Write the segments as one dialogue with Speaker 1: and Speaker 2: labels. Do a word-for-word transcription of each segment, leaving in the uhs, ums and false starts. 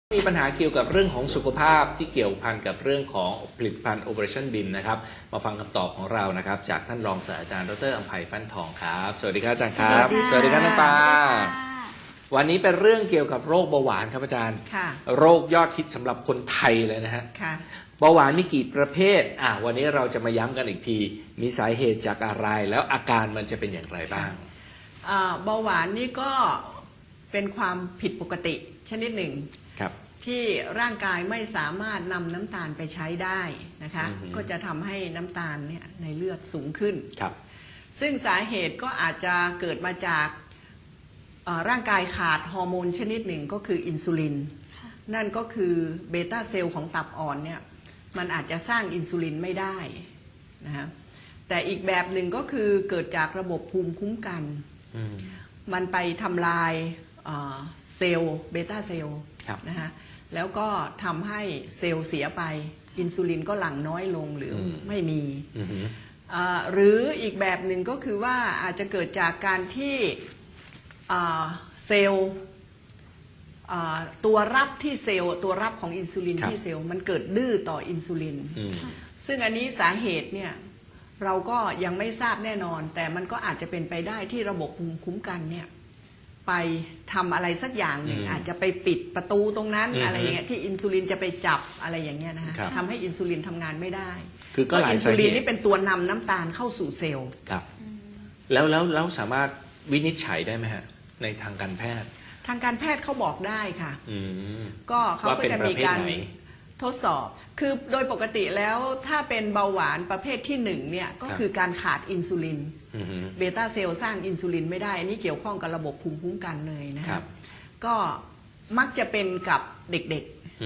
Speaker 1: มีปัญหาเกี่ยวกับเรื่องของสุขภาพที่เกี่ยวพันกับเรื่องของผลิตภัณฑ์ Operation บี ไอ เอ็ม นะครับมาฟังคำตอบของเรานะครับจากท่านรองศาสตราจารย์ดร.อำไพฟั่นทองครับสวัสดีครับอาจารย์ครับสวัสดีครับน้ำปลาวันนี้เป็นเรื่องเกี่ยวกับโรคเบาหวานครับอาจารย์โรคยอดฮิตสำหรับคนไทยเลยนะฮะเบาหวานมีกี่ประเภทอ่ะวันนี้เราจะมาย้ำกันอีกทีมีสาเหตุจากอะไรแล้วอาการมันจะเป็นอย่างไรบ้าง
Speaker 2: เบาหวานนี่ก็เป็นความผิดปกติชนิดหนึ่งที่ร่างกายไม่สามารถนำน้ำตาลไปใช้ได้นะคะก็จะทำให้น้ำตาลเนี่ยในเลือดสูงขึ้นครับซึ่งสาเหตุก็อาจจะเกิดมาจากร่างกายขาดฮอร์โมนชนิดหนึ่งก็คืออินซูลินนั่นก็คือเบต้าเซลล์ของตับอ่อนเนี่ยมันอาจจะสร้างอินซูลินไม่ได้นะฮะแต่อีกแบบหนึ่งก็คือเกิดจากระบบภูมิคุ้มกันมันไปทำลายเซลล์เบต้าเซลล์นะฮะแล้วก็ทำให้เซลล์เสียไปอินซูลินก็หลั่งน้อยลงหรือไม่มีหรืออีกแบบหนึ่งก็คือว่าอาจจะเกิดจากการที่เซลล์ตัวรับที่เซลล์ตัวรับของอินซูลินที่เซลล์มันเกิดดื้อต่ออินซูลินซึ่งอันนี้สาเหตุเนี่ยเราก็ยังไม่ทราบแน่นอนแต่มันก็อาจจะเป็นไปได้ที่ระบบภูมิคุ้มกันเนี่ยไปทำอะไรสักอย่างหนึ่งอาจจะไปปิดประตูตรงนั้นอะไรอย่างเงี้ยที่อินซูลินจะไปจับอะไรอย่างเงี้ยนะคะทำให้อินซูลินทำงานไม่ได้
Speaker 1: คือก็หลาย
Speaker 2: อินซูลินนี่เป็นตัวนำน้ำตาลเข้าสู่เซลล์
Speaker 1: ครับแล้วแล้วแล้วสามารถวินิจฉัยได้ไหมฮะในทางการแพทย์
Speaker 2: ทางการแพทย์เขาบอกได้ค่ะก็เขาก็จะมีการทดสอบคือโดยปกติแล้วถ้าเป็นเบาหวานประเภทที่หนึ่งเนี่ยก็คือการขาดอินซูลินเบต้าเซลล์สร้างอินซูลินไม่ได้อันนี้เกี่ยวข้องกับระบบภูมิคุ้มกันเลยนะครับก็มักจะเป็นกับเด็ก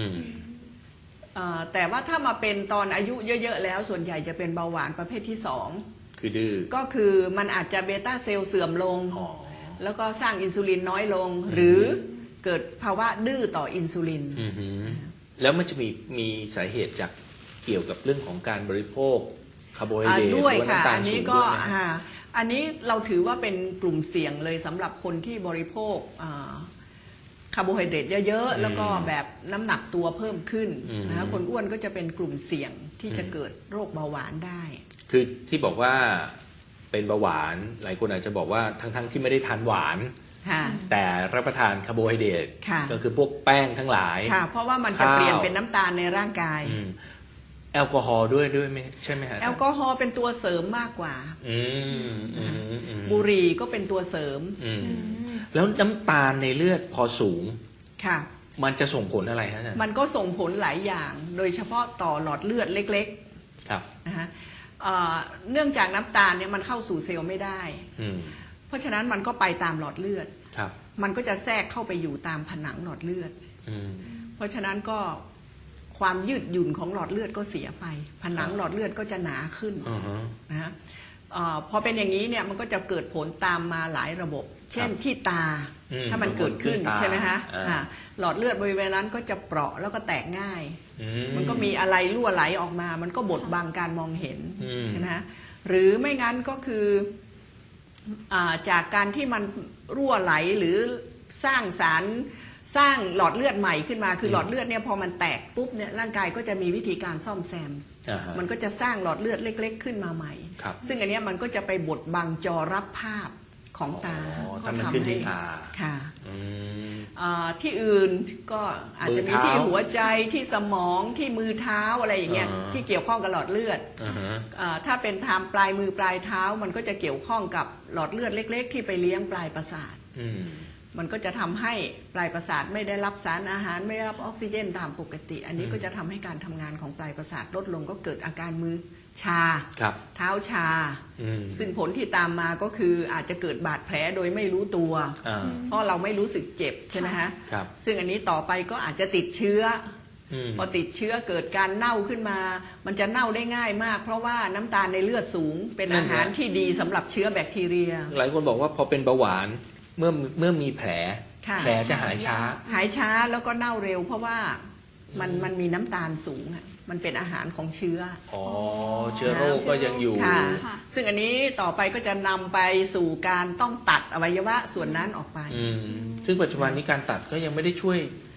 Speaker 2: ๆแต่ว่าถ้ามาเป็นตอนอายุเยอะๆแล้วส่วนใหญ่จะเป็นเบาหวานประเภทที่สอง
Speaker 1: คือดื้อก็
Speaker 2: คือมันอาจจะเบต้าเซลล์เสื่อมลงแล้วก็สร้างอินซูลินน้อยลงหรือเกิดภาวะดื้อต่ออินซูลิน
Speaker 1: แล้วมันจะมีมีสาเหตุจากเกี่ยวกับเรื่องของการบริโภคคาร์โบไฮเดรต
Speaker 2: ด้วยค่ะอันนี้ก็อันนี้เราถือว่าเป็นกลุ่มเสี่ยงเลยสำหรับคนที่บริโภคคาร์โบไฮเดรตเยอะๆแล้วก็แบบน้ำหนักตัวเพิ่มขึ้นนะคะคนอ้วนก็จะเป็นกลุ่มเสี่ยงที่จะเกิดโรคเบาหวานได้
Speaker 1: คือที่บอกว่าเป็นเบาหวานหลายคนอาจจะบอกว่าทั้งๆที่ไม่ได้ทานหวานแต่รับประทานคาร์โบไฮเดรตก็คือพวกแป้งทั้งหลาย
Speaker 2: เพราะว่ามันจะเปลี่ยนเป็นน้ำตาลในร่างกาย
Speaker 1: แอลกอฮอล์ด้วยด้วยไหมใช่ไหมฮะ
Speaker 2: แอลกอฮอล์เป็นตัวเสริมมากกว่าบุหรี่ก็เป็นตัวเสริม
Speaker 1: แล้วน้ำตาลในเลือดพอสูงค่ะมันจะส่งผลอะไรฮะ
Speaker 2: มันก็ส่งผลหลายอย่างโดยเฉพาะต่อหลอดเลือดเล็กๆครับนะฮะเนื่องจากน้ำตาลเนี่ยมันเข้าสู่เซลล์ไม่ได้เพราะฉะนั้นมันก็ไปตามหลอดเลือดมันก็จะแทรกเข้าไปอยู่ตามผนังหลอดเลือดเพราะฉะนั้นก็ความยืดหยุ่นของหลอดเลือดก็เสียไปผนังหลอดเลือดก็จะหนาขึ้นนะฮะพอเป็นอย่างนี้เนี่ยมันก็จะเกิดผลตามมาหลายระบบเช่นที่ตาถ้ามันเกิดขึ้นใช่ไหมฮะหลอดเลือดบริเวณนั้นก็จะเปราะแล้วก็แตกง่ายมันก็มีอะไรรั่วไหลออกมามันก็บดบังการมองเห็นใช่ไหมฮะหรือไม่งั้นก็คือจากการที่มันรั่วไหลหรือสร้างสารสร้างหลอดเลือดใหม่ขึ้นมาคือหลอดเลือดเนี่ยพอมันแตกปุ๊บเนี่ยร่างกายก็จะมีวิธีการซ่อมแซมมันก็จะสร้างหลอดเลือดเล็กๆขึ้นมาใหม่ซึ่งอันนี้มันก็จะไปบดบังจอรับภาพของตา
Speaker 1: ก็ทำให้
Speaker 2: ค่ะที่อื่นก็อาจจะมีที่หัวใจที่สมองที่มือเท้าอะไรอย่างเงี้ยที่เกี่ยวข้องกับหลอดเลือดถ้าเป็นทางปลายมือปลายเท้ามันก็จะเกี่ยวข้องกับหลอดเลือดเล็กๆที่ไปเลี้ยงปลายประสาทมันก็จะทำให้ปลายประสาทไม่ได้รับสารอาหารไม่ได้รับออกซิเจนตามปกติอันนี้ก็จะทำให้การทำงานของปลายประสาทลดลงก็เกิดอาการมือชาเท้าชาซึ่งผลที่ตามมาก็คืออาจจะเกิดบาดแผลโดยไม่รู้ตัวเพราะเราไม่รู้สึกเจ็บใช่ไหมฮะซึ่งอันนี้ต่อไปก็อาจจะติดเชื้อพอติดเชื้อเกิดการเน่าขึ้นมามันจะเน่าได้ง่ายมากเพราะว่าน้ำตาลในเลือดสูงเป็นอาหารที่ดีสำหรับเชื้อแบคทีเรีย
Speaker 1: หลายคนบอกว่าพอเป็นเบาหวานเมื่อเมื่อมีแผลแผลจะหายช้า
Speaker 2: หายช้าแล้วก็เน่าเร็วเพราะว่ามันมันมีน้ำตาลสูงมันเป็นอาหารของเชื้อ
Speaker 1: อ๋อเชื้อโรคก็ยังอยู่
Speaker 2: ซึ่งอันนี้ต่อไปก็จะนำไปสู่การต้องตัดอวัยวะส่วนนั้นออกไป
Speaker 1: ซึ่งปัจจุบันนี้การตัดก็ยังไม่ได้ช่วย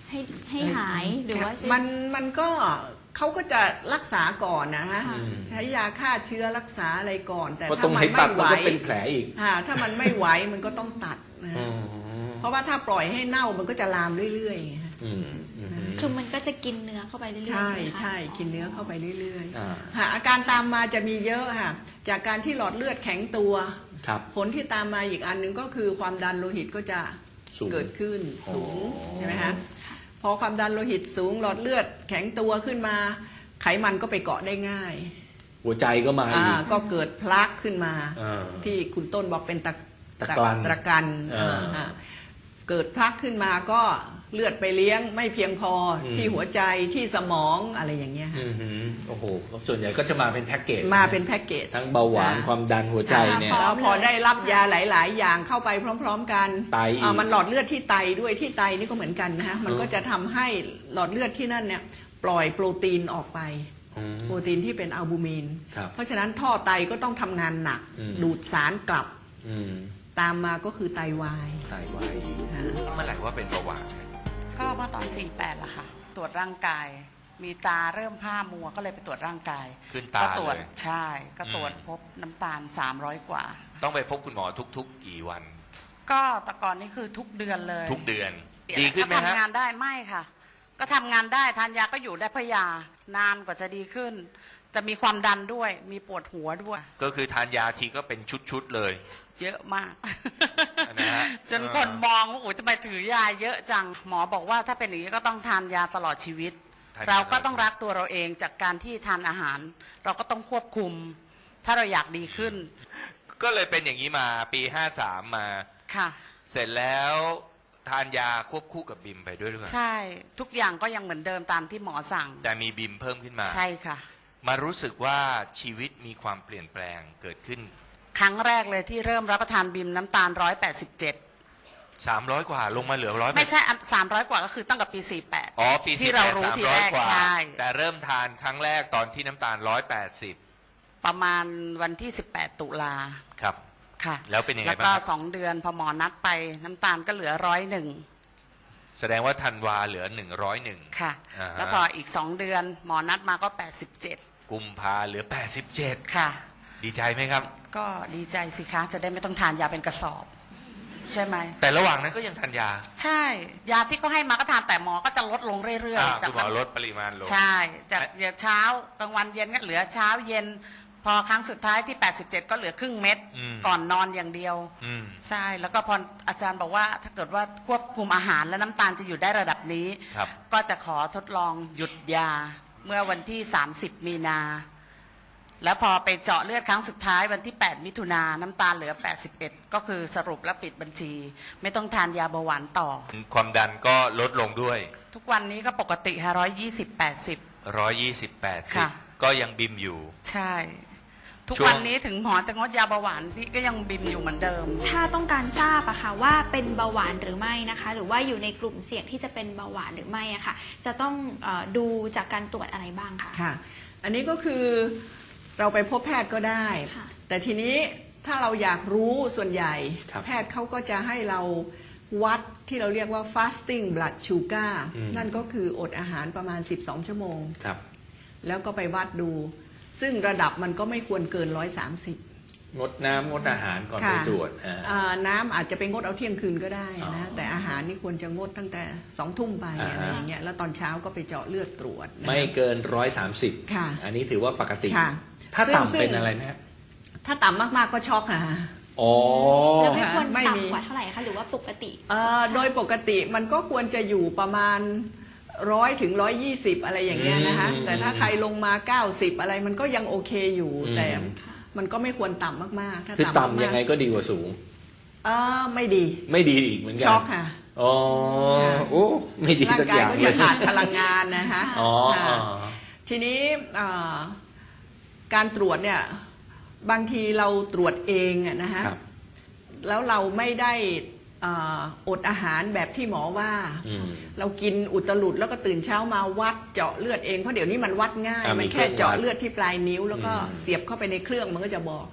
Speaker 3: ให้ให้หายหรือว่าช่วย
Speaker 2: มันมันก็เขาก็จะรักษาก่อนนะฮะ
Speaker 3: อืม
Speaker 2: ใช้ยาฆ่าเชื้อรักษาอะไรก่อน แต่
Speaker 1: เพราะตร
Speaker 2: ถ้าง มั
Speaker 1: ไห
Speaker 2: น
Speaker 1: ตั
Speaker 2: ไม่
Speaker 1: ด
Speaker 2: ไหว
Speaker 1: มันก็เป็นแผลอีก
Speaker 2: อ่าถ้ามันไม่ไหวมันก็ต้องตัดนะฮะ
Speaker 1: อืม
Speaker 2: เพราะว่าถ้าปล่อยให้เน่ามันก็จะลามเรื่อยๆไงฮะ
Speaker 1: อืมอืม
Speaker 3: คือมันก็จะกินเนื้อเข้าไปเรื่อยๆ
Speaker 2: ใช่
Speaker 3: ใช่ไหมคะ
Speaker 2: ใช่กินเนื้อเข้าไปเรื่อย
Speaker 1: อ่า
Speaker 2: ๆฮะอาการตามมาจะมีเยอะค่ะจากการที่หลอดเลือดแข็งตัว
Speaker 1: ครับ
Speaker 2: ผลที่ตามมาอีกอันหนึ่งก็คือความดันโลหิตก็จะ
Speaker 1: สูง
Speaker 2: เกิดขึ้นสูง
Speaker 1: อ๋อ
Speaker 2: ใช่ไหมฮะพอความดันโลหิตสูงหลอดเลือดแข็งตัวขึ้นมา ไขมันก็ไปเกาะได้ง่าย
Speaker 1: หัวใจก็มาอี
Speaker 2: อ่าก ก็เกิดพลักขึ้นมา
Speaker 1: อ่า
Speaker 2: ที่คุณต้นบอกเป็นตะ
Speaker 1: ตะกรัน
Speaker 2: ตะกัน
Speaker 1: อ่า
Speaker 2: อ่าเกิดพลักขึ้นมาก็เลือดไปเลี้ยงไม่เพียงพออ
Speaker 1: ม
Speaker 2: ที่หัวใจที่สมองอะไรอย่างเงี้ยค่ะ
Speaker 1: อืมฮึโอ้โหส่วนใหญ่ก็จะมาเป็นแพ็กเกจ
Speaker 2: มาเป็นแพ็กเกจ
Speaker 1: ทั้งเบาหวาน
Speaker 2: อ่า
Speaker 1: ความดันหัวใจเนี่ย
Speaker 2: แล้วพอได้รับยาหลาย ๆ อย่างเข้าไปพร้อม ๆ กัน
Speaker 1: ไตอีก
Speaker 2: อ่ามันหลอดเลือดที่ไตด้วยที่ไตนี่ก็เหมือนกันนะฮะมันก็จะทำให้หลอดเลือดที่นั่นเนี่ยปล่อยโปรตีนออกไป
Speaker 1: อืม
Speaker 2: โปรตีนที่เป็นอัลบูมิน
Speaker 1: ครับ
Speaker 2: เพราะฉะนั้นท่อไตก็ต้องทำงานหนัก
Speaker 1: อืม
Speaker 2: ดูดสารกลับ
Speaker 1: อืม
Speaker 2: ตามมาก็คือไตวาย
Speaker 1: ไตวาย
Speaker 2: นะ
Speaker 4: เมื่อไหร่ว่าเป็นเบาหวาน
Speaker 5: ก็เมื่อตอน สี่แปดละค่ะ ตรวจร่างกาย มีตาเริ่มผ้ามัวก็เลยไปตรวจร่างกาย
Speaker 4: ขึ้นตา
Speaker 5: ก็ตรวจ
Speaker 4: เลย
Speaker 5: ใช่ ก็ตรวจ
Speaker 4: อืม
Speaker 5: พบน้ำตาล สามร้อย กว่า
Speaker 4: ต้องไปพบคุณหมอทุกๆ กี่วัน
Speaker 5: ก็แต่ก่อนนี่คือทุกเดือนเลย
Speaker 4: ทุกเดือน
Speaker 5: เปลี่ย
Speaker 4: ดีขึ้นไหม
Speaker 5: ก็
Speaker 4: ฮะ
Speaker 5: ทำงานได้ไม่ค่ะ ก็ทำงานได้ทานยาก็อยู่ได้เพราะยานานกว่าจะดีขึ้น จะมีความดันด้วย มีปวดหัวด้วย
Speaker 4: ก็คือทานยาทีก็เป็นชุดๆเลย
Speaker 5: เยอะมาก
Speaker 4: นะฮะ
Speaker 5: จนคนมองว่าโอ้ยทำไมถือยาเยอะจัง หมอบอกว่าถ้าเป็นอย่างนี้ก็ต้องทานยาตลอดชีวิต
Speaker 4: ทานยา
Speaker 5: เราก็ต้องรักตัวเราเองจากการที่ทานอาหาร เราก็ต้องควบคุม ถ้าเราอยากดีขึ้น
Speaker 4: ก็เลยเป็นอย่างนี้มาปีห้าสามมา
Speaker 5: ค่ะ
Speaker 4: เสร็จแล้วทานยาควบคู่กับบิมไปด้วยหรือเปล่า
Speaker 5: ใช่ทุกอย่างก็ยังเหมือนเดิมตามที่หมอสั่ง
Speaker 4: แต่มีบิมเพิ่มขึ้นมา
Speaker 5: ใช่ค่ะ
Speaker 4: มารู้สึกว่าชีวิตมีความเปลี่ยนแปลงเกิดขึ้น
Speaker 5: ครั้งแรกเลยที่เริ่มรับประทานบิมน้ำตาลร้อยแปดสิบเจ็ด
Speaker 4: สามร้อยกว่าลงมาเหลือร้อย
Speaker 5: ไม่ใช่สามร้อยกว่าก็คือตั้งแต่ปีสี่แปด
Speaker 4: อ๋อปี
Speaker 5: ที่
Speaker 4: สี่
Speaker 5: เรา
Speaker 4: แปด
Speaker 5: รู้
Speaker 4: สาม
Speaker 5: ที
Speaker 4: ร้อ
Speaker 5: แร
Speaker 4: ย
Speaker 5: ก
Speaker 4: กว่า
Speaker 5: ใช่
Speaker 4: แต่เริ่มทานครั้งแรกตอนที่น้ำตาลร้อยแปดสิบ
Speaker 5: ประมาณวันที่สิบแปดตุลา
Speaker 4: ครับ
Speaker 5: ค่ะ
Speaker 4: แล้วเป็นยังไง
Speaker 5: แล้ว
Speaker 4: บ้าง
Speaker 5: ก็
Speaker 4: ครับ
Speaker 5: สองเดือนพอหมอนัดไปน้ำตาลก็เหลือร้อยหนึ่ง
Speaker 4: แสดงว่าธันวาเหลือหนึ่งร้อยหนึ่ง
Speaker 5: ค่ะ
Speaker 4: อ่าฮะ
Speaker 5: แล้วพออีกสองเดือนหมอนัดมาก็แปดสิบเจ็ด
Speaker 4: กุมภาเหลือแปดสิบเจ็ด
Speaker 5: ค่ะ
Speaker 4: ดีใจไหมครับ
Speaker 5: ก็ดีใจสิคะจะได้ไม่ต้องทานยาเป็นกระสอบ ใช่ไหม
Speaker 4: แต่ระหว่างนั้นก็ยังทานยา
Speaker 5: ใช่ ยาที่ก็ให้มาก็ทานแต่หมอก็จะลดลงเรื่อย
Speaker 4: อ่า
Speaker 5: ๆ จาก
Speaker 4: คุณหมอลดปริมาณลง
Speaker 5: ใช่จากเช้ากลางวันเย็นก็เหลือเช้าเย็น พอครั้งสุดท้ายที่แปดสิบเจ็ดก็เหลือครึ่งเม็ด
Speaker 4: อืม
Speaker 5: ก่อนนอนอย่างเดียว
Speaker 4: อืม
Speaker 5: ใช่ แล้วก็พออาจารย์บอกว่าถ้าเกิดว่าควบคุมอาหารและน้ำตาลจะอยู่ได้ระดับนี้
Speaker 4: ครับ
Speaker 5: ก็จะขอทดลองหยุดยาเมื่อวันที่สามสิบมีนา แล้วพอไปเจาะเลือดครั้งสุดท้ายวันที่แปดมิถุนาน้ำตาลเหลือแปดสิบเอ็ดก็คือสรุปและปิดบัญชี ไม่ต้องทานยาเบาหวานต่อ
Speaker 4: ความดันก็ลดลงด้วย
Speaker 5: ทุกวันนี้ก็ปกติค่ะร้อยยี่สิบแปดสิบ
Speaker 4: ร้อยยี่สิบแปดสิบ
Speaker 5: ค่ะ
Speaker 4: ก็ยังบิมอยู่
Speaker 5: ใช่ ทุก
Speaker 4: ช่วง
Speaker 5: วันนี้ถึงหมอจะงดยาเบาหวานพี่ก็ยังบิมอยู่เหมือนเดิม
Speaker 3: ถ้าต้องการทราบอะค่ะว่าเป็นเบาหวานหรือไม่นะคะ หรือว่าอยู่ในกลุ่มเสี่ยงที่จะเป็นเบาหวานหรือไม่อะค่ะ จะต้องเออดูจากการตรวจอะไรบ้างคะ
Speaker 2: ค่ะ อันนี้ก็คือเราไปพบแพทย์ก็ได้
Speaker 3: ค่ะ
Speaker 2: แต่ทีนี้ถ้าเราอยากรู้ส่วนใหญ่
Speaker 1: ครับ
Speaker 2: แพทย์เขาก็จะให้เราวัดที่เราเรียกว่า fasting blood sugar
Speaker 1: อืม
Speaker 2: นั่นก็คืออดอาหารประมาณ สิบสอง ชั่วโมง
Speaker 1: ครับ
Speaker 2: แล้วก็ไปวัดดู ซึ่งระดับมันก็ไม่ควรเกิน หนึ่งร้อยสามสิบ
Speaker 1: งดน้ำงดอาหารก่อนไปตรวจอ่า
Speaker 2: อ่าน้ำอาจจะไปงดเอาเที่ยงคืนก็ได้
Speaker 1: อ๋
Speaker 2: นะ
Speaker 1: อ
Speaker 2: แต่อาหารนี่ควรจะงดตั้งแต่สองทุ่มไป
Speaker 1: อ่าฮะ
Speaker 2: อะไรอย่างเงี้ยแล้วตอนเช้าก็ไปเจาะเลือดตรวจนะคะ
Speaker 1: ไม่เกินร้อยสามสิบ
Speaker 2: ค่ะ
Speaker 1: อันนี้ถือว่าปกติ
Speaker 2: ค่ะ
Speaker 1: ถ้า
Speaker 2: ซึ่งซึ่ง
Speaker 1: ต่ำเป็นอะไรไหมฮะ
Speaker 2: ถ้าต่ำมากๆก็ช็อกค่ะ
Speaker 1: อ๋อ
Speaker 3: แล้วไม่ควร
Speaker 2: ไม่มี
Speaker 3: ต่ำกว่าเท่าไหร่คะหรือว่าปกติ
Speaker 2: เอ่อโดยปกติมันก็ควรจะอยู่ประมาณร้อยถึงร้อยยี่สิบอะไรอย่างเงี้ยนะคะ
Speaker 1: อืม
Speaker 2: แต่ถ้าใครลงมาเก้าสิบอะไรมันก็ยังโอเคอยู่
Speaker 1: อืม
Speaker 2: แต่มันก็ไม่ควรต่ำมากๆถ้า
Speaker 1: คือ
Speaker 2: ต่ำ
Speaker 1: ต่ำ
Speaker 2: มากๆ
Speaker 1: ยังไงก็ดีกว่าสูง
Speaker 2: เออไม่ดี
Speaker 1: ไม่ดีอีกเหมือนกั
Speaker 2: ช็อกค่ะ
Speaker 1: อ๋อโอ้ไม่ดี
Speaker 2: ร่าง
Speaker 1: สัก
Speaker 2: กา
Speaker 1: อย ย่าง
Speaker 2: ก็
Speaker 1: เล
Speaker 2: จะ
Speaker 1: ย
Speaker 2: ขาดพลังงานนะคะ
Speaker 1: อ๋อ
Speaker 2: ค่ะ
Speaker 1: อ๋อ
Speaker 2: ทีนี้เอ่อการตรวจเนี่ยบางทีเราตรวจเองอะนะคะ
Speaker 1: ครับ
Speaker 2: แล้วเราไม่ได้เอ่ออดอาหารแบบที่หมอว่า
Speaker 1: อืม
Speaker 2: เรากินอุตลุดแล้วก็ตื่นเช้ามาวัดเจาะเลือดเองเพราะเดี๋ยวนี้มันวัดง่าย
Speaker 1: อ่ามี
Speaker 2: มันแค่เจาะ
Speaker 1: เครื่องวัด
Speaker 2: เลือดที่ปลายนิ้ว แล้วก็
Speaker 1: อืม
Speaker 2: เสียบเข้าไปในเครื่องมันก็จะบอก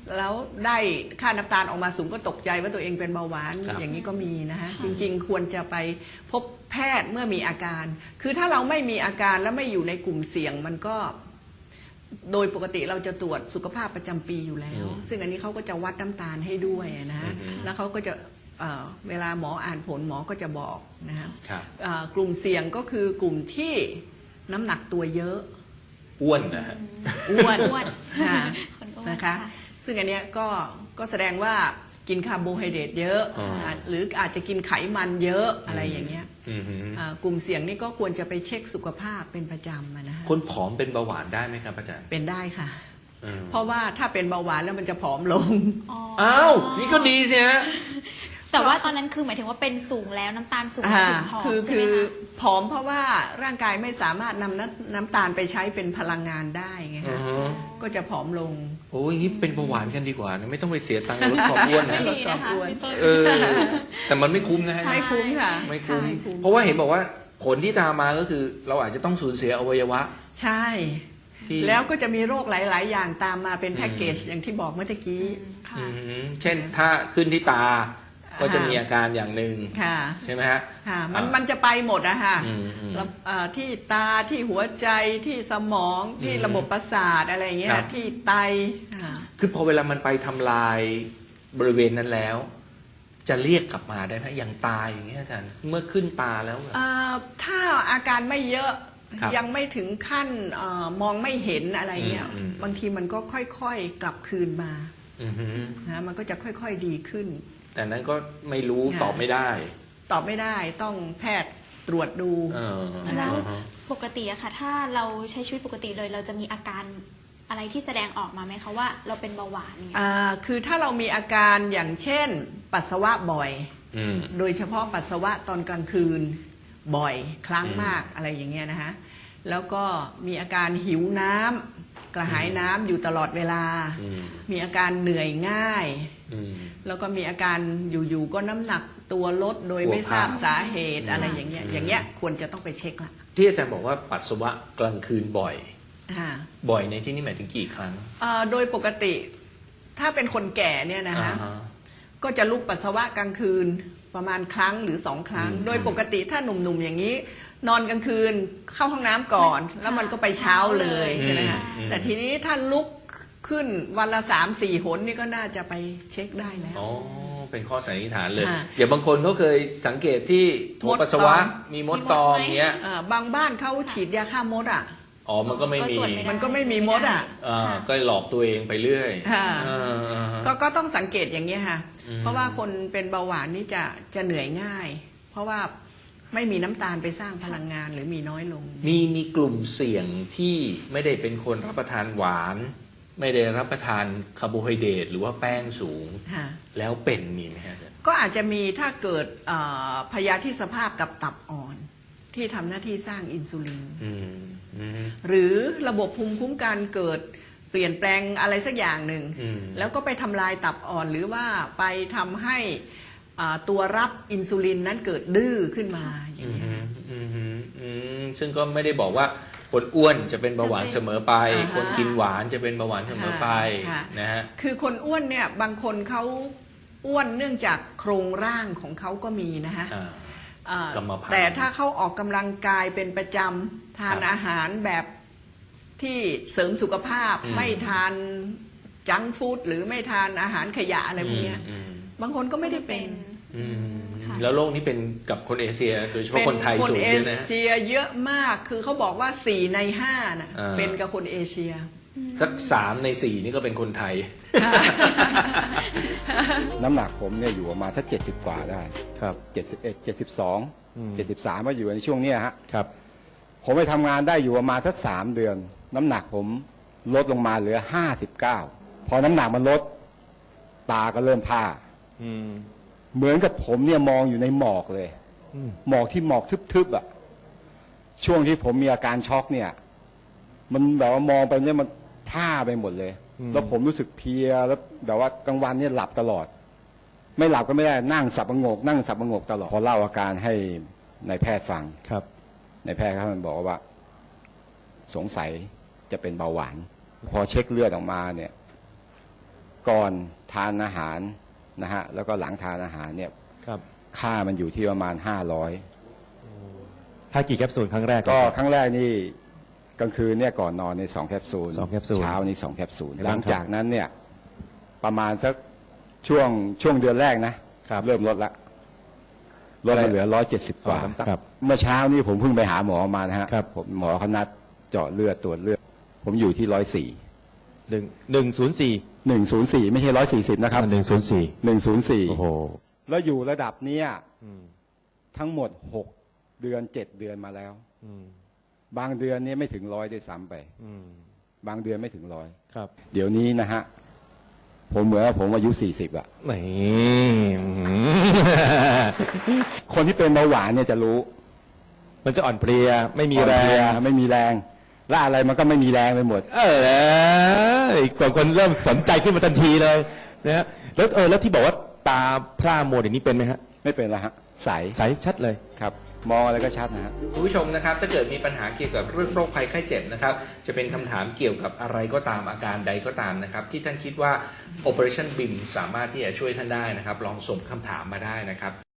Speaker 2: แล้วได้ค่าน้ำตาลออกมาสูงก็ตกใจว่าตัวเองเป็นเบาหวาน
Speaker 1: ครับ
Speaker 2: อย่างนี้ก็มีนะฮะจริงๆ ควรจะไปพบแพทย์เมื่อมีอาการ คือถ้าเราไม่มีอาการและไม่อยู่ในกลุ่มเสี่ยงมันก็โดยปกติเราจะตรวจสุขภาพประจำปีอยู่แล้ว ซึ่งอันนี้เขาก็จะวัดน้ำตาลให้ด้วยนะฮะแล้วเขาก็จะเอ่อเวลาหมออ่านผลหมอก็จะบอกนะฮะ
Speaker 1: ครับ
Speaker 2: เอ่อกลุ่มเสี่ยงก็คือกลุ่มที่น้ำหนักตัวเยอะ
Speaker 1: อ้วนนะฮะ
Speaker 2: อ้วน
Speaker 3: อ้วน
Speaker 2: ค่ะ
Speaker 3: คนอ้วน
Speaker 2: นะคะ
Speaker 3: ค่ะ
Speaker 2: ซึ่งอันเนี้ยก็ก็แสดงว่ากินคาร์โบไฮเดรตเยอะ
Speaker 1: อ๋ออ่
Speaker 2: าหรืออาจจะกินไขมันเยอะอะไรอย่างเงี้ย
Speaker 1: อืมฮึ
Speaker 2: อ่ากลุ่มเสี่ยงนี่ก็ควรจะไปเช็คสุขภาพเป็นประจำอะนะฮะ
Speaker 1: คนผอมเป็นเบาหวานได้ไหมครับอาจารย์
Speaker 2: เป็นได้ค่ะ
Speaker 1: อืม
Speaker 2: เพราะว่าถ้าเป็นเบาหวานแล้วมันจะผอมลง
Speaker 1: อ้าวนี่ก็ดีสิฮะ
Speaker 3: แต่ว่าตอนนั้นคือหมายถึงว่าเป็นสูงแล้วน้ำตาลสูง
Speaker 2: อ่า
Speaker 3: ถึงผอม
Speaker 2: คือ
Speaker 3: ใช่
Speaker 2: คื
Speaker 3: ไหม
Speaker 2: อ
Speaker 3: คะ
Speaker 2: ผอมเพราะว่าร่างกายไม่สามารถนำน้ำน้ำตาลไปใช้เป็นพลังงานได้ไง
Speaker 1: อื
Speaker 2: คะ
Speaker 1: อฮึ
Speaker 2: ก็จะผอมลง
Speaker 1: โอ้ยอย่างนี้เป็นเบาหวานกันดีกว่านะไม่ต้องไปเสียตังค์ลดความอ้วน
Speaker 3: ไม่
Speaker 1: นะ
Speaker 3: ดีนะคะพี่ต้น
Speaker 1: เออ แต่มันไม่คุ้มนะฮะ
Speaker 2: ไม่คุ้มค่ะ
Speaker 1: ไม่คุ้ม
Speaker 2: ไม่คุ้ม
Speaker 1: เพราะว่าเห็นบอกว่าผลที่ตามมาก็คือ เราอาจจะต้องสูญเสียอวัยวะ
Speaker 2: ใช่
Speaker 1: ที่
Speaker 2: แล้วก็จะมีโรคหลาย ๆ อย่างตามมาเป็นแพ็กเกจอย่างที่บอกเมื่อตะกี้
Speaker 3: ค่ะ
Speaker 1: อืมเช่นถ้าขึ้นที่ตา ก็จะมีอาการอย่างหนึ่ง
Speaker 2: ค่ะ
Speaker 1: ใช่ไหมฮะ
Speaker 2: ค่ะมัน
Speaker 1: อ่า
Speaker 2: มันจะไปหมดอะค่ะ
Speaker 1: อืมอืม
Speaker 2: แล้วเอ่อที่ตาที่หัวใจที่สมองที่
Speaker 1: อืม
Speaker 2: ระบบประสาทอะไรอย่างเงี้ย
Speaker 1: ครับ
Speaker 2: ที่ไตอ่า
Speaker 1: คือพอเวลามันไปทำลายบริเวณนั้นแล้ว จะเรียกกลับมาได้ไหมอย่างตายอย่างเงี้ยอาจารย์เมื่อขึ้นตาแล้ว
Speaker 2: เอ่อถ้าอาการไม่เยอะ
Speaker 1: ครับ
Speaker 2: ยังไม่ถึงขั้นเออมองไม่เห็นอะไรเงี้ย
Speaker 1: อืมอืม
Speaker 2: บางทีมันก็ค่อย ๆ กลับคืนมา
Speaker 1: อือหือ
Speaker 2: นะมันก็จะค่อย ๆ ดีขึ้น
Speaker 1: แต่นั้นก็ไม่รู้
Speaker 2: ค่ะ
Speaker 1: ตอบไม่ได้
Speaker 2: ตอบไม่ได้ต้องแพทย์ตรวจดู
Speaker 1: เออ
Speaker 3: แล้ว
Speaker 1: อ่าฮะ
Speaker 3: ปกติอะค่ะ ถ้าเราใช้ชีวิตปกติเลย เราจะมีอาการอะไรที่แสดงออกมาไหมคะว่าเราเป็นเบาหวานเนี่ย
Speaker 2: อ่าคือถ้าเรามีอาการอย่างเช่น ปัสสาวะบ่อย
Speaker 1: อืม
Speaker 2: โดยเฉพาะปัสสาวะตอนกลางคืนบ่อยครั้ง
Speaker 1: อืม
Speaker 2: มากอะไรอย่างเงี้ยนะฮะแล้วก็มีอาการหิวน้ำกระหายน้ำอยู่ตลอดเวลา
Speaker 1: อืม
Speaker 2: มีอาการเหนื่อยง่าย
Speaker 1: อืม
Speaker 2: แล้วก็มีอาการอยู่ๆก็น้ำหนักตัวลดโดย
Speaker 1: หัว
Speaker 2: ไม่ทราบ
Speaker 1: พาน
Speaker 2: สาเหตุอะไรอย่างเงี้ย
Speaker 1: อืม
Speaker 2: อย่างเงี้ยควรจะต้องไปเช็คละ
Speaker 1: ที่อาจารย์บอกว่าปัสสาวะกลางคืนบ่อย
Speaker 2: อ่า
Speaker 1: บ่อยในที่นี่หมายถึงกี่ครั้ง
Speaker 2: เอ่อโดยปกติถ้าเป็นคนแก่เนี่ยนะฮะ
Speaker 1: อ่าฮะ
Speaker 2: ก็จะลุกปัสสาวะกลางคืนประมาณครั้งหรือสองครั้ง
Speaker 1: อืม
Speaker 2: โดยปกติถ้าหนุ่มๆอย่างนี้ นอนกลางคืนเข้าห้องน้ำก่อน แล้วมันก็ไปเช้าเลยใช่ไหมฮะ
Speaker 1: อืม
Speaker 2: แต่ทีนี้ถ้าลุกขึ้นวันละสามสี่หนนี่ก็น่าจะไปเช็คได้แล้ว
Speaker 1: อ๋อเป็นข้อสันนิษฐานเลย
Speaker 2: ค่ะ
Speaker 1: เดี๋ยวบางคนเขาเคยสังเกตที่โถ
Speaker 2: มด
Speaker 1: ปัสสาวะ
Speaker 2: ตอม
Speaker 1: มีมดตอมเงี้ย
Speaker 2: เอ่อบางบ้านเขาฉีดยาฆ่ามดอ่ะ
Speaker 1: อ๋อมันก็ไม่มี
Speaker 3: ก็ตรวจไม่ได้
Speaker 2: มันก็ไม่มีมดอ่ะ
Speaker 1: อ่าก็หลอกตัวเองไปเรื่อย
Speaker 2: ค่ะ
Speaker 1: อ่าอ่าฮะ
Speaker 2: ก็ก็ต้องสังเกตอย่างนี้ยค่ะ
Speaker 1: อืม
Speaker 2: เพราะว่าคนเป็นเบาหวานนี่จะจะเหนื่อยง่าย เพราะว่าไม่มีน้ำตาลไปสร้างพลังงานหรือมีน้อยลง
Speaker 1: มีมีกลุ่มเสี่ยงที่ไม่ได้เป็นคนรับประทานหวาน ไม่ได้รับประทานคาร์โบไฮเดรตหรือว่าแป้งสูง
Speaker 2: ค่ะ
Speaker 1: แล้วเป็นมีไหมฮะ
Speaker 2: ก็อาจจะมีถ้าเกิดเอ่อพยาธิสภาพกับตับอ่อน ที่ทำหน้าที่สร้างอินซูลิน
Speaker 1: อืมอืม
Speaker 2: หรือระบบภูมิคุ้มกันเกิดเปลี่ยนแปลงอะไรสักอย่างหนึ่ง
Speaker 1: อืม
Speaker 2: แล้วก็ไปทำลายตับอ่อน หรือว่าไปทำให้อ่าตัวรับอินซูลินนั้นเกิดดื้อขึ้นมาอย่า
Speaker 1: อื
Speaker 2: ง
Speaker 1: ม
Speaker 2: เงี้ย
Speaker 1: อืมอืมอืมซึ่งก็ไม่ได้บอกว่าคนอ้วนจะเป็นเบาหวานเสมอไป
Speaker 2: อ่าฮะ
Speaker 1: คนกินหวานจะเป็นเบาหวานเสมอไป
Speaker 2: ค่ะ
Speaker 1: นะฮะ
Speaker 2: คือคนอ้วนเนี่ยบางคนเขาอ้วนเนื่องจากโครงร่างของเขาก็มีนะฮะ
Speaker 1: อ่า
Speaker 2: อ่าก
Speaker 1: รรมพันธุ์
Speaker 2: แต่ถ้าเขาออกกำลังกายเป็นประจำทาน
Speaker 1: ครับ
Speaker 2: อาหารแบบที่เสริมสุขภาพ
Speaker 1: อืม
Speaker 2: ไม่ทานจังก์ฟู้ดหรือไม่ทานอาหารขยะอะไรพวกเนี้ย
Speaker 1: อืม
Speaker 2: บางคนก็ไม่ได้เป็น
Speaker 1: อืม
Speaker 3: ค่ะ
Speaker 1: แล้วโรคนี้เป็นกับคนเอเชีย โดยเฉพาะ
Speaker 2: เป็น
Speaker 1: คนไทย
Speaker 2: คน
Speaker 1: สูง
Speaker 2: เอ
Speaker 1: ด้วยนะฮะ
Speaker 2: เชียเยอะมากคือเขาบอกว่าสี่ในห้าน่ะ
Speaker 1: อ่า
Speaker 2: เป็นกับคนเอเชีย
Speaker 1: สักสามในสี่นี่ก็เป็นคนไทย
Speaker 6: น้ำหนักผมเนี่ยอยู่ประมาณสักเจ็ดสิบกว่าได้
Speaker 1: ครับ
Speaker 6: เจ็ดสิบเอ็ดเจ็ดสิบสอง
Speaker 1: อืม
Speaker 6: เจ็ดสิบสามก็อยู่ในช่วงเนี้ยฮะ
Speaker 1: ครับ
Speaker 6: ผมไปทำงานได้อยู่ประมาณสักสามเดือน น้ำหนักผมลดลงมาเหลือห้าสิบเก้าพอน้ำหนักมันลด ตาก็เริ่มผ้า
Speaker 1: อืม
Speaker 6: เหมือนกับผมเนี่ยมองอยู่ในหมอกเลย
Speaker 1: อืม
Speaker 6: หมอกที่หมอกทึบๆอ่ะช่วงที่ผมมีอาการช็อกเนี่ย มันแบบว่ามองไปเนี่ยมันผ้าไปหมดเลย แล้วผมรู้สึกเพลียแล้วแบบว่ากลางวันเนี่ยหลับตลอด ไม่หลับก็ไม่ได้นั่งสับประงก นั่งสับประงกตลอดพอเล่าอาการให้นายแพทย์ฟัง
Speaker 1: ครับ
Speaker 6: นายแพทย์เขามันบอกว่า สงสัยจะเป็นเบาหวาน พอเช็คเลือดออกมาเนี่ย กก่อนทานอาหารนะฮะแล้วก็หลังทานอาหารเนี่ย
Speaker 7: ครับ
Speaker 6: ค่ามันอยู่ที่ประมาณห้าร้อย
Speaker 7: ถ้ากี่แคปซูลครั้งแรก
Speaker 6: ก็ครั้งแรกนี่กลางคืนเนี่ยก่อนนอนในสองแคปซูล
Speaker 7: สองแคปซูล
Speaker 6: เช้านี่สองแคปซูล
Speaker 7: ครับ
Speaker 6: หลังจากนั้นเนี่ยประมาณสักช่วงช่วงเดือนแรกนะครับ เริ่มลดละลดมาเหลือร้อยเจ็ดสิบกว่า
Speaker 7: อ๋อน้ำตาลครับ
Speaker 6: เมื่อเช้านี่ผมเพิ่งไปหาหมอมานะฮะ
Speaker 7: ครับ
Speaker 6: ผมหมอเขานัดเจาะเลือดตรวจเลือด ผมอยู่ที่ร้อยสี่
Speaker 7: หนึ่งหนึ่งศูนย์สี่
Speaker 6: หนึ่งศูนย์สี่ไม่ใช่ร้อยสี่สิบนะครับ
Speaker 7: หนึ่งศูนย์สี่
Speaker 6: หนึ่งศูนย์สี่
Speaker 7: โอ้โห
Speaker 6: แล้วอยู่ระดับเนี้ย
Speaker 7: อืม
Speaker 6: ทั้งหมดหกเดือนเจ็ดเดือนมาแล้ว
Speaker 7: อืม
Speaker 6: บางเดือนเนี่ยไม่ถึงร้อยด้วยซ้ำไป
Speaker 7: อืม
Speaker 6: บางเดือนไม่ถึงร้อย
Speaker 7: ครับ
Speaker 6: เดี๋ยวนี้นะฮะ ผมเหมือนว่าผมอายุสี่สิบอะ
Speaker 7: นี่อื้อหือ
Speaker 6: คนที่เป็นเบาหวานเนี่ยจะรู้
Speaker 7: มันจะอ่อนเพลียไม่มีแร
Speaker 6: อ่อนเพลีย
Speaker 7: ง
Speaker 6: ไม่มีแรง และอะไรมันก็ไม่มีแรงไปหมด
Speaker 7: เออกว่าคนเริ่มสนใจขึ้นมาทันทีเลยนะฮะแล้วเออแล้วที่บอกว่าตาพร่ามัวเดี๋ยวนี้เป็นไหมฮะ
Speaker 6: ไม่เป็นละฮะ ใส
Speaker 7: ใสชัดเลย
Speaker 6: ครับ มองอะไรก็ชัดนะฮะ
Speaker 1: คุณผู้ชมนะครับถ้าเกิดมีปัญหาเกี่ยวกับเรื่องโรคภัยไข้เจ็บนะครับจะเป็นคำถามเกี่ยวกับอะไรก็ตามอาการใดก็ตามนะครับที่ท่านคิดว่า Operation บี ไอ เอ็ม สามารถที่จะช่วยท่านได้นะครับลองส่งคำถามมาได้นะครับ